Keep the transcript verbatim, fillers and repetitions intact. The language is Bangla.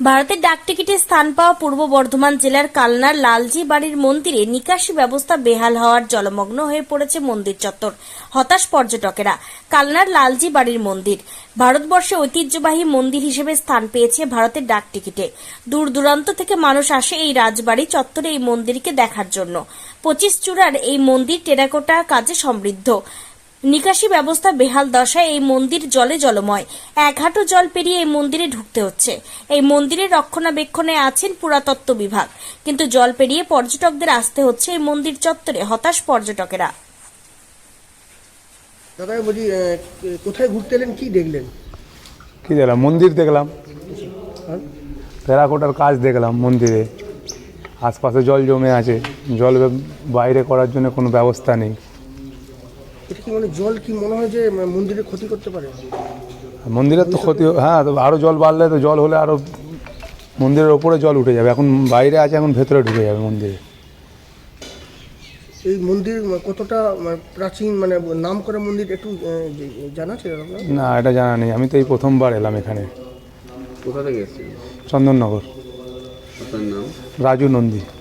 ভারতের ডাকটিকিটে স্থান পাওয়া পূর্ব বর্ধমান জেলার কালনার লালজি বাড়ির মন্দিরে নিকাশি ব্যবস্থা বেহাল হওয়ার জলমগ্ন হয়ে পড়েছে মন্দির চত্বর। হতাশ পর্যটকেরা। কালনার লালজি বাড়ির মন্দির ভারতবর্ষে ঐতিহ্যবাহী মন্দির হিসেবে স্থান পেয়েছে ভারতের ডাকটিকিটে। দূর দূরান্ত থেকে মানুষ আসে এই রাজবাড়ি চত্বরে এই মন্দিরকে দেখার জন্য। পঁচিশ চূড়ার এই মন্দির টেরাকোটা কাজে সমৃদ্ধ। নিকাশি ব্যবস্থা বেহাল দশায় এই মন্দির জলে জলময়। এক হাঁটু জল পেরিয়ে এই মন্দিরে ঢুকতে হচ্ছে। এই মন্দিরের রক্ষণাবেক্ষণে আছেন পুরাতত্ত্ব বিভাগ, কিন্তু জল পেরিয়ে পর্যটকদের আসতে হচ্ছে এই মন্দির চত্বরে। হতাশ পর্যটকেরা। দাদা বলছি, কোথায় ঘুরতে এলেন, কি দেখলেন? কি দেখলাম? মন্দির দেখলাম, টেরাকোটার কাজ দেখলাম মন্দিরে। আশপাশে জল জমে আছে, জল বাইরে করার জন্য কোনো ব্যবস্থা নেই। এটা কি মানে জল কি মনে হয় যে মন্দিরে ক্ষতি করতে পারে? মন্দিরের তো ক্ষতি, হ্যাঁ, তো আরও জল বাড়লে তো জল হলে আরও মন্দিরের ওপরে জল উঠে যাবে। এখন বাইরে আছে, এখন ভেতরে ঢুকে যাবে মন্দিরে। এই মন্দির কতটা প্রাচীন, মানে নাম করা মন্দির, একটু জানা ছিল আপনার? না, এটা জানা নেই। আমি তো এই প্রথমবার এলাম এখানে। কোথা থেকে এসেছেন? চন্দননগর। আপনার নাম? রাজু নন্দী।